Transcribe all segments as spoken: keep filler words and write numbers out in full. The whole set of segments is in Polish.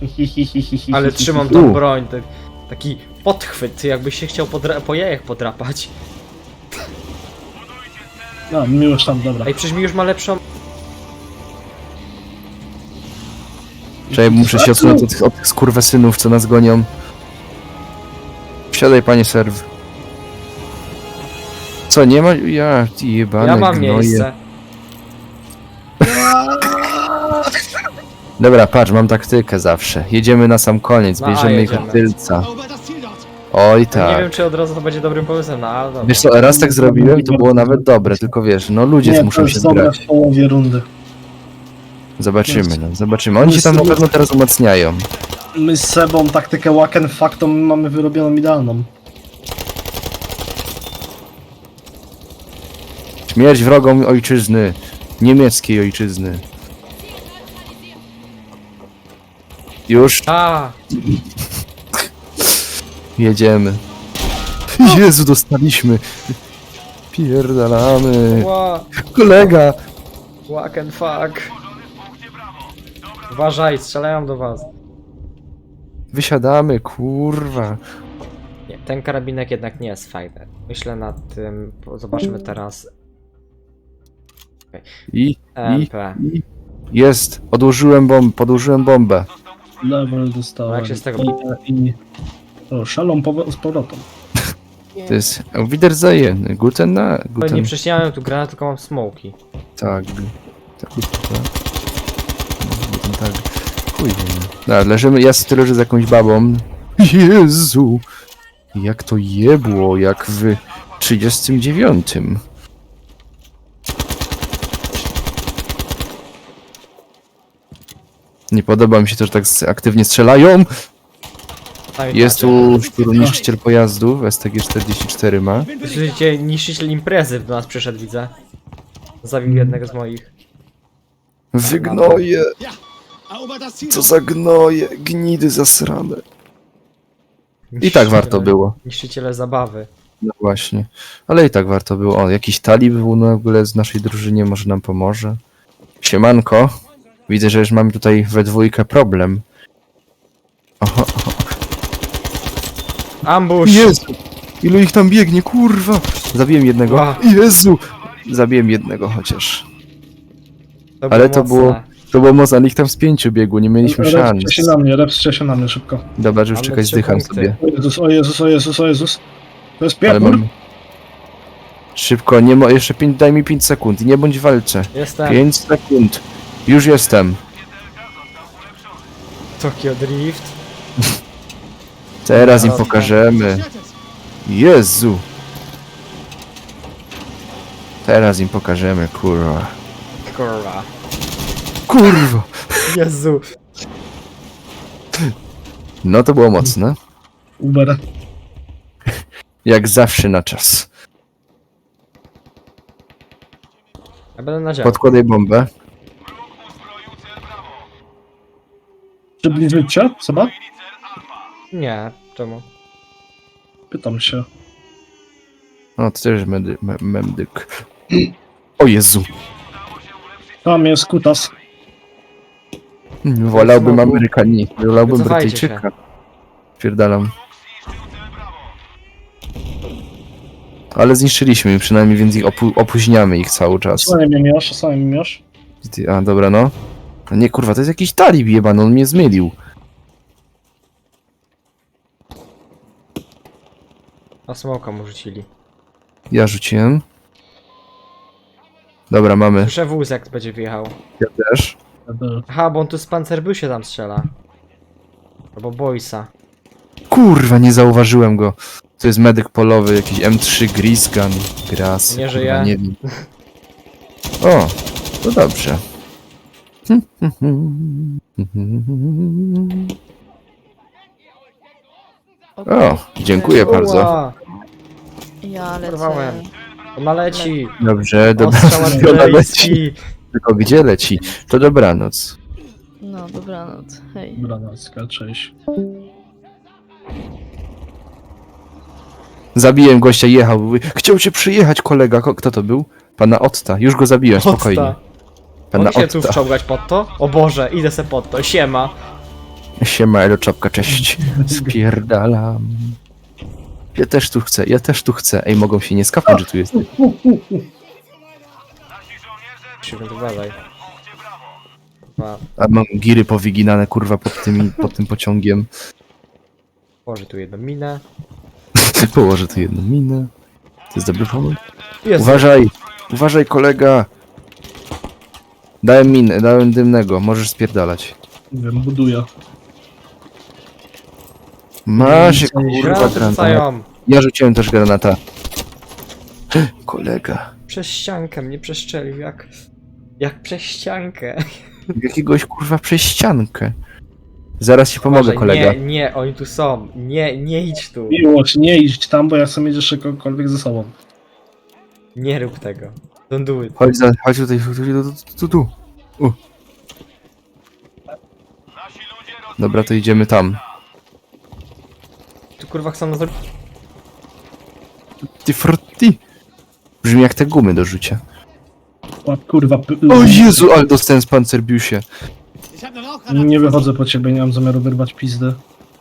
Ale trzymam tą broń, tak, taki podchwyt, jakbyś się chciał podra- po jajach podrapać. No, mi już tam, dobra. Ej, przecież mi już ma lepszą... Czekaj, muszę się odsunąć od tych, od tych skurwesynów, co nas gonią. Wsiadaj, panie serw. Co, nie ma? Ja, ty jebane Ja mam gnoje. miejsce. Dobra, patrz, mam taktykę zawsze. Jedziemy na sam koniec, No, a, bierzemy ich jedziemy. od tylca. Oj Nie tak. wiem, czy od razu to będzie dobrym pomysłem, no ale dobra. Wiesz co, raz tak zrobiłem i to było nawet dobre, tylko wiesz, no ludzie Nie, muszą to się jest dobre zgrać. w połowie rundy. Zobaczymy, no, zobaczymy. Oni się tam na pewno teraz umacniają. My z Sebą taktykę Waken Factom mamy wyrobioną idealną. Śmierć wrogom ojczyzny. Niemieckiej ojczyzny. Już A, jedziemy. Jezu, dostaliśmy. Pierdalamy. ła, Kolega. walk and fuck. Uważaj, strzelają do was. Wysiadamy, kurwa. Nie, ten karabinek jednak nie jest fajny. Myślę nad tym, po- zobaczmy teraz. I, M i, P. i. Jest. Odłożyłem bombę, podłożyłem bombę. Level dostałem. Jak się z tego- I, i... O, szalą powo- z powrotem. To jest Auf Wiedersehen. Guten na... Ale Guten... nie prześniałem tu granat, tylko mam smoki. Tak. Tak, tak. Guten tak. Chuj wiem. No, leżymy, ja sobie leżę z jakąś babą. Jezu! Jak to jebło, jak w trzydziestym dziewiątym. Nie podoba mi się to, że tak aktywnie strzelają. Sami Jest patrzę. tu szturmniszczyciel pojazdów, S T G czterdzieści cztery ma. Słyszycie, niszczyciel imprezy do nas przyszedł, widzę. Zabił jednego z moich. Wygnoje! Co za gnoje, gnidy zasrane. I tak warto było. Niszczyciele zabawy. No właśnie. Ale i tak warto było. O, jakiś talib był w ogóle z naszej drużynie, może nam pomoże. Siemanko. Widzę, że już mamy tutaj we dwójkę problem. Oho, oho. Ambush! Jezu! Ilu ich tam biegnie, kurwa! Zabiłem jednego. Ła. Jezu! Zabiłem jednego chociaż. To Ale było to mocne. było... To było mocno, ale ich tam z pięciu biegło, nie mieliśmy szans. Repscie się na mnie, repscie się na mnie szybko. Dobra, że już Mamy czekać, trzy zdycham punkty. sobie. O Jezus, o Jezus, o Jezus, o Jezus. To jest Ale pierdol. mam... Szybko, nie mo... jeszcze pięć, daj mi pięć sekund i nie bądź w walce. Jestem. pięć sekund. Już jestem. Tokyo Drift. Teraz im Dobra. pokażemy. Jezu. Teraz im pokażemy, kurwa. Kurwa. Kurwa. Jezu. No to było mocne. Uber. Jak zawsze na czas. Ja będę na działku. Podkładaj bombę. Przybliżyć cię, Seba? Nie, czemu? Pytam się. O, to też medy, me, medyk. O Jezu. Tam jest kutas. Wolałbym Amerykanie. Wolałbym Wycofajcie Brytyjczyka. Pierdalam. Ale zniszczyliśmy ich przynajmniej, więc ich opu opóźniamy ich cały czas. Osłaniaj mnie miasz, osłaniaj mnie miasz. Ty- A, dobra, no. A nie, kurwa, to jest jakiś talib jebany, on mnie zmylił. A smoka mu rzucili. Ja rzuciłem. Dobra, mamy. Słyszę wóz jak będzie wjechał. Ja też. Aha, bo on tu z Panzerbusie tam strzela. Albo Boysa. Kurwa, nie zauważyłem go. To jest medyk polowy, jakiś M trzy Grisgun. Gras. Nie kurwa, żyje. Nie wiem. O, to dobrze. O, dziękuję bardzo. Uła, Ja lecę. Porwałem. Ona leci. Dobrze, Ostrzał dobranoc. Ona leci. artyleryjski. Tylko gdzie leci? To dobranoc. No, dobranoc. Hej. Branacka, cześć. Zabiłem gościa, jechał. Mówi, chciał cię przyjechać, kolega. Ko- Kto to był? Pana Otta. Już go zabiłem, spokojnie. Otta. Pana Mogę się tu Otta. wczołgać pod to? O Boże, idę se pod to. Siema. Siema, elo czapka, cześć. Spierdalam. Ja też tu chcę, ja też tu chcę. Ej, mogą się nie skapnąć, że tu jest. Musimy uważaj. Chyba A mam giry powyginane, kurwa, pod, tymi, pod tym pociągiem. położę tu jedną minę. Położę tu jedną minę. To jest dobry pomysł. Jezu. Uważaj, uważaj, kolega. Dałem minę, dałem dymnego, możesz spierdalać. Nie wiem, buduję. Masz, kurwa, Granaty granat. rzucają. Ja rzuciłem też granata. Kolega. Przez ściankę mnie przeszczelił, jak... Jak przez ściankę. Jakiegoś kurwa przez ściankę. Zaraz ci pomogę, Uważaj, kolega. Nie, nie, oni tu są. Nie, nie idź tu. Miłość, nie idź tam, bo ja chcę mieć jeszcze kogokolwiek ze sobą. Nie rób tego. Don't do it. Chodź, za, chodź tutaj, tu, tu, tu, tu, tu. U. Dobra, to idziemy tam. Tu kurwa chcą nas zrobić. Ty frutti. Brzmi jak te gumy do rzucia. O, kurwa, p- O Jezu, ale dostałem z pancerbiusie. nie wychodzę po ciebie, nie mam zamiaru wyrwać pizdy.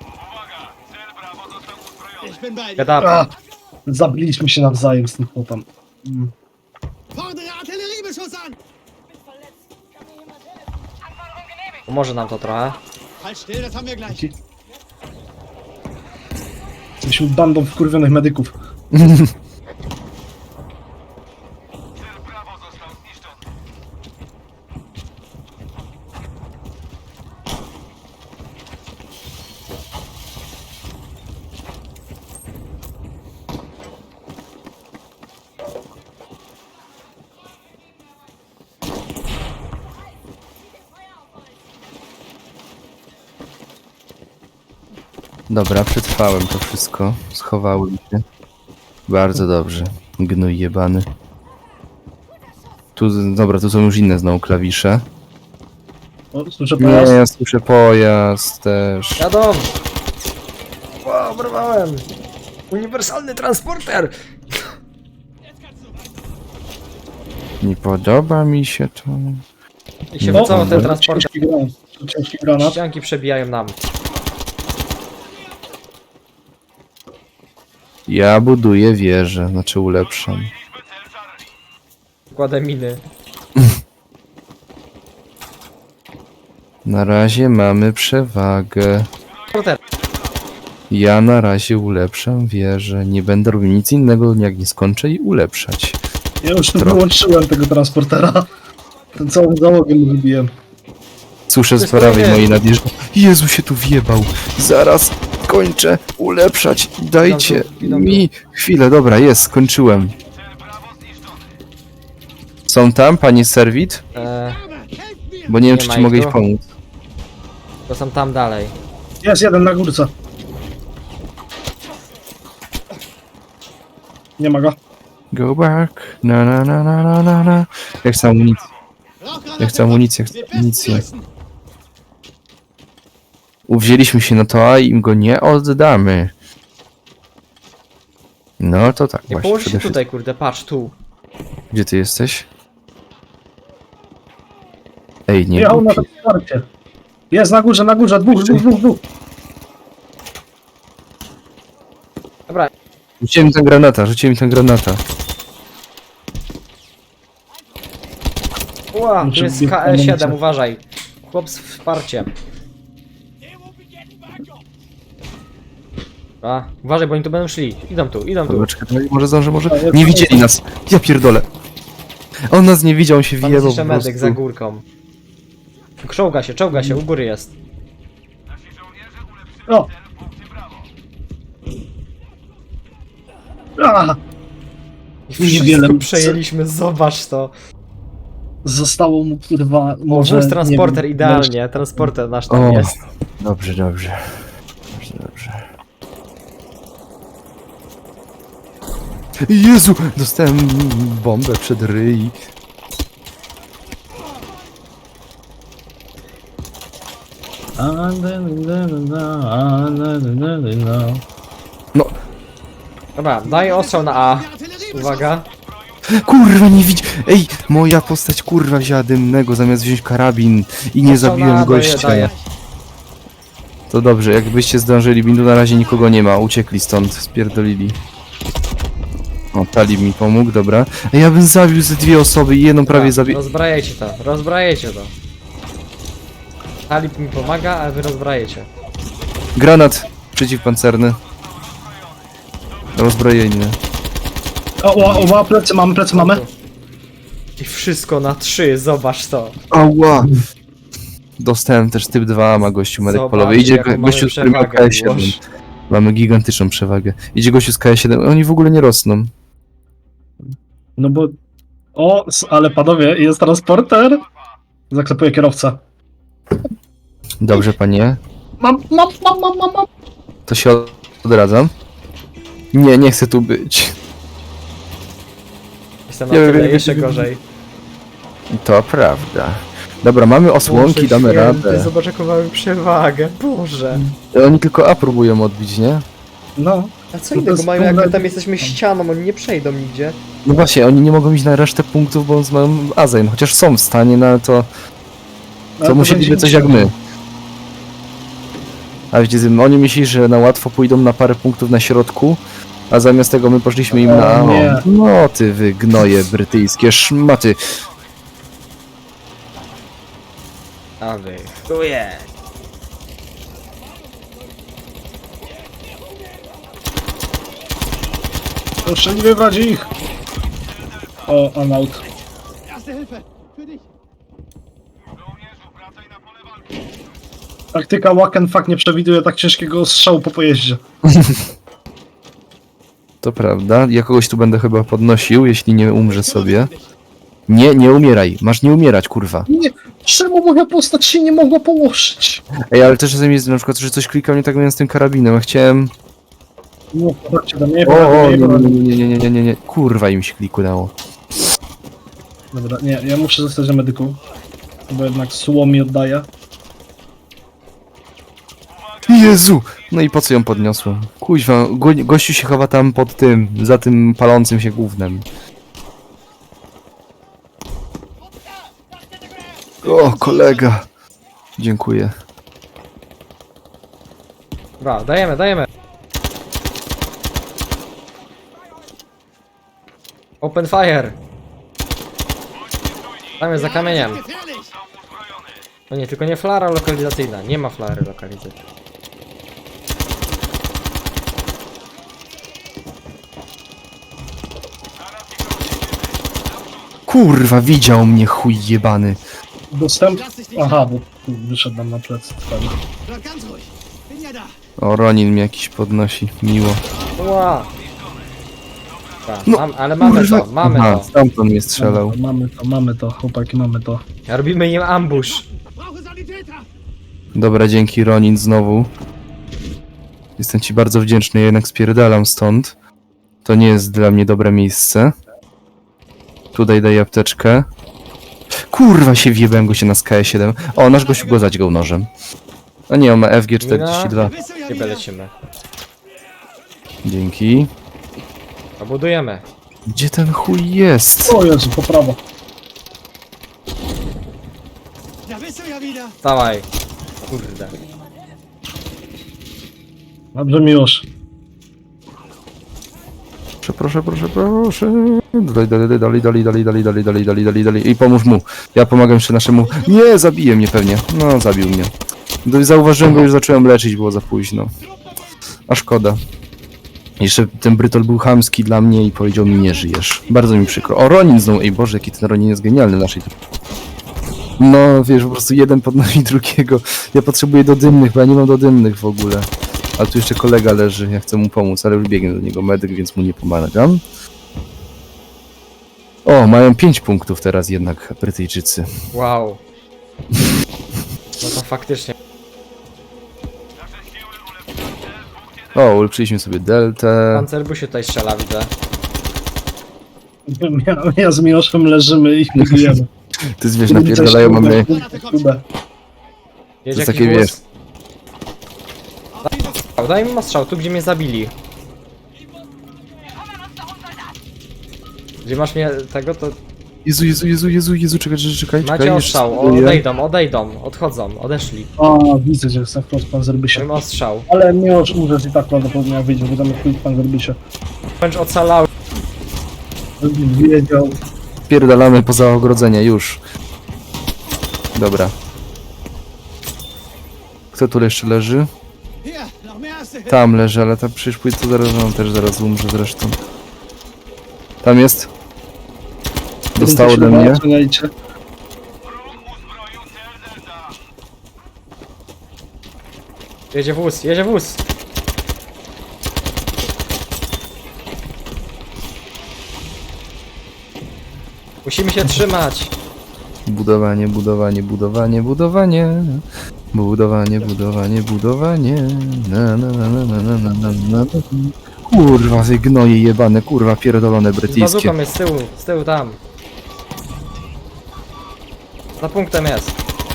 Gadam. A, zabiliśmy się nawzajem z tym chłopem. Mm. Pomoże nam to trochę. Jesteśmy bandą wkurwionych medyków. Dobra, przetrwałem to wszystko. Schowałem się. Bardzo dobrze. Gnój jebany. Tu, dobra, tu są już inne znowu klawisze. O, słyszę Nie, pojazd. ja słyszę pojazd też. Jadą! Wow, porwałem! Uniwersalny transporter! Nie podoba mi się to. I się No, wycofał ten no, transporter. Ciężki granat. Ciężki granat. Ścianki przebijają nam. Ja buduję wieżę, znaczy ulepszam. Kładę miny. Na razie mamy przewagę. Transporter. Ja na razie ulepszam wieżę. Nie będę robił nic innego, jak nie skończę i ulepszać. Ja już Trochę. wyłączyłem tego transportera. Ten całą załogę mu wybiłem. Słyszę z jest prawej fajne. mojej nadjeżdża. Jezu się tu wjebał. Zaraz kończę ulepszać. Dajcie Idą tu, idą tu. mi chwilę. Dobra, jest, skończyłem. Są tam, panie serwit? Eee, Bo nie wiem, Nie czy ma ci ich mogę tu. iść pomóc. to są tam dalej. Jest jeden na górce. Nie ma go. Go back. Na na na na na na na. Ja chcę amunicję. Ja chcę amunicję, chcę amunicję. Uwzięliśmy się na to, a im go nie oddamy. No to tak Nie właśnie. położ się przede tutaj, kurde, patrz tu. wszystkim. Gdzie ty jesteś? Ej, nie Jechał na głupi. to wsparcie. Jest na górze, na górze. Dwóch, dwóch, dwóch, dwóch. Dobra, Rzuciłem mi tę granata, rzuciłem mi tę granata. ła, tu Muszę jest biec K E siedem, amunicję. uważaj. Chłop z wsparciem. A, uważaj, bo oni tu będą szli. Idą tu, idą tu. Dobra, czekaj, może zdążę, może... A, jest- Nie widzieli nas! Ja pierdolę! On nas nie widział, on się Tam jest wjebał jeszcze po medyk prostu. za górką. Czołga się, czołga się, u góry jest. O! A! I Niewiele. wszystko przejęliśmy, zobacz to. Zostało mu kurwa O, może... wóz transporter nie wiem, idealnie, transporter nasz tam O. jest. Dobrze, dobrze. Dobrze, dobrze. Jezu! Dostałem bombę przed ryj. No, Dobra, daj ostrzał na A. Uwaga. kurwa, nie widzi... Ej, moja postać kurwa wzięła dymnego zamiast wziąć karabin i nie Ostrzał na A zabiłem daję, gościa. daję. To dobrze, jakbyście zdążyli, bindu na razie nikogo nie ma, uciekli stąd, spierdolili. O, Talib mi pomógł, dobra. Ej, ja bym zabił ze dwie osoby i jedną prawie Dobra, zabił. Rozbrajajcie to, rozbrajajcie to. Talib mi pomaga, a wy rozbrajecie. Granat przeciwpancerny. Rozbrojenie. O, o, o, ma plecy, mamy plecy, mamy. I wszystko na trzy, zobacz to. Ała! Dostałem też typ dwa, ma gościu medyk Zobacz, polowy. Idzie jaką go- gościu mamy z którym ma przewagę, K siedem. Miłosz. Mamy gigantyczną przewagę. Idzie gościu z K siedem, oni w ogóle nie rosną. No bo... O, s- ale panowie, jest transporter. Zaklepuję kierowcę. Dobrze, panie. Mam, mam, mam, mam, mam, mam. To się od- odradzam. Nie, nie chcę tu być. Jestem na Nie, tyle, nie, nie, jeszcze nie, nie. gorzej. To prawda. Dobra, mamy osłonki, Boże damy święty, radę. Zobacz jaką mamy przewagę, Boże. Oni tylko A próbują odbić, nie? No. A co To innego jest mają, jak my problem. tam jesteśmy ścianą, oni nie przejdą nigdzie. No właśnie, oni nie mogą iść na resztę punktów, bo mają Azeń, chociaż są w stanie, no ale to... Ale To musieliby będzie coś jak my. A wiecie, z- oni myśleli, że na łatwo pójdą na parę punktów na środku, a zamiast tego my poszliśmy im O, na... nie. No ty wy gnoje brytyjskie szmaty. A wy, chuje. Proszę nie wybrać ich. O, I'm out. Taktyka Wacken fuck nie przewiduje tak ciężkiego strzału po pojeździe. To prawda, ja kogoś tu będę chyba podnosił, jeśli nie umrze sobie. Nie, nie umieraj, masz nie umierać, kurwa. Nie, czemu moja postać się nie mogła położyć? Ej, ale też czasem jest na przykład, że coś klikał nie tak miałem z tym karabinem, ja chciałem... Nie, chodźcie do mnie, O, o, nie, nie, nie, nie, nie, nie, nie, nie, nie, nie, kurwa im się kliknęło. Dobra, nie, ja muszę zostać na medyku. Bo jednak słom mi oddaje. Jezu! No i po co ją podniosłem? Kuźwa, go, gościu się chowa tam pod tym, za tym palącym się gównem. O, kolega! Dziękuję. Dobra, dajemy, dajemy. Open fire. Tam jest za kamieniem. No nie, tylko nie flara lokalizacyjna. Nie ma flary lokalizacyjnej. Kurwa, widział mnie chuj jebany. Dostęp... Aha, bo tu wyszedł nam na plecy. Fajnie. Bleib ganz ruhig. Bin ja da. O, Ronin mnie jakiś podnosi, miło. Ła. Tak, No, mam, ale mamy Kurwa. to, mamy Aha, to. stamtąd mnie strzelał. Mamy to, mamy to, chłopaki, mamy to. Robimy im ambush. Brauche Sanitäter. Dobra, dzięki Ronin znowu. Jestem ci bardzo wdzięczny, ja jednak spierdalam stąd. To nie jest dla mnie dobre miejsce. Tutaj daję apteczkę. Kurwa się wjebałem go się na K siedem. O, nasz gościu go zadźgał nożem. A nie, on ma F G czterdzieści dwa. Bist du ja Chyba wieder? lecimy. Dzięki. Obudujemy. Gdzie ten chuj jest? O Jezu, po prawo. Da bist du ja wieder. Dawaj. Kurde. Dobrze, Miłosz. Proszę, proszę, proszę, proszę. Dalej, dalej, dalej, dalej, dalej, dalej, dalej, dalej, dalej, dalej, dalej. I pomóż mu. Ja pomagam jeszcze naszemu... Nie, zabije mnie pewnie. No, zabił mnie. Gdy zauważyłem go, już zacząłem leczyć, było za późno. A szkoda. Jeszcze ten Brytol był chamski dla mnie i powiedział mi, nie żyjesz. Bardzo mi przykro. O, Ronin znowu. Ej Boże, jaki ten Ronin jest genialny w naszej... No, wiesz, po prostu jeden podnosi drugiego. Ja potrzebuję do dymnych, bo ja nie mam do dymnych w ogóle. Ale tu jeszcze kolega leży, ja chcę mu pomóc, ale już biegnie do niego medyk, więc mu nie pomagam. O, mają pięć punktów teraz jednak Brytyjczycy. Wow. No to faktycznie. O, ulepszyliśmy sobie deltę. Pancerbusie tutaj strzela, widzę. Ja, ja z Miłoszem leżymy i budujemy. Ty zwierz napierdalają, mamy... Kurde. Jedzie To jest jakiś takie, wóz. wiesz- Daj- Daj mi strzał, tu gdzie mnie zabili. Gdzie masz mnie tego, to... Jezu, Jezu, Jezu, Jezu, Jezu, czekaj, czekaj, czekaj. Macie jeszcze ostrzał, spróbuję. odejdą, odejdą, odchodzą, odeszli. O, widzę, że jest na Quick Panzerbysie. Mam ostrzał. Ale nie już umrzeć i tak prawdopodobnie jak wyjdzie, bo tam jest Quick Panzerbysie. Wręcz ocalały. Wiedział. Pierdalamy poza ogrodzenie, już. Dobra. Kto tu jeszcze leży? Hier, noch mehr erste Hilfe. Tam leży, ale tam przecież pójdę to zaraz, on też zaraz umrze zresztą. Tam jest. Dostał ode mnie. Oceniajcie. Jedzie wóz, jedzie wóz. Musimy się trzymać. Budowanie, budowanie, budowanie, budowanie. Budowanie, budowanie, budowanie. Na, na, na, na, na, na, na, na, na. Kurwa, te gnoje jebane, kurwa, pierdolone Z brytyjskie. bazuką jest z tyłu, z tyłu tam. Za punktem jest.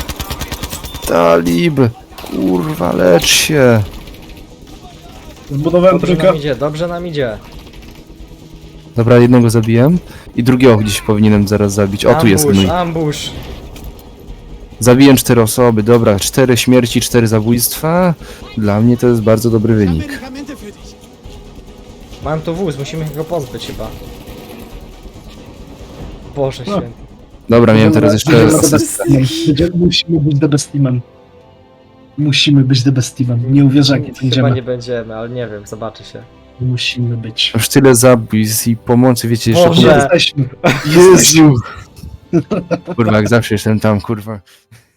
Talib, kurwa, lecz się. Zbudowałem Dobrze trójkę. nam idzie, dobrze nam idzie. Dobra, jednego zabiłem i drugiego gdzieś powinienem zaraz zabić. O, tu jest Ambush, mój. ambush. Zabiłem cztery osoby, dobra, cztery śmierci, cztery zabójstwa. Dla mnie to jest bardzo dobry Ich habe wynik. Medikamente für dich. Mam tu wóz, musimy go pozbyć chyba. Boże No. święty. Dobra, miałem teraz jeszcze Będziemy the asystę. best teamem. Będziemy- Musimy być the best teamem. Musimy być the best teamem. Nie uwierzę, jak nie Chyba będziemy. nie będziemy, ale nie wiem, zobaczy się. Musimy być. Już tyle zabójstw i pomocy, wiecie, jeszcze... Boże. Jesteśmy. Jezu! Kurwa, jak zawsze jestem tam, kurwa.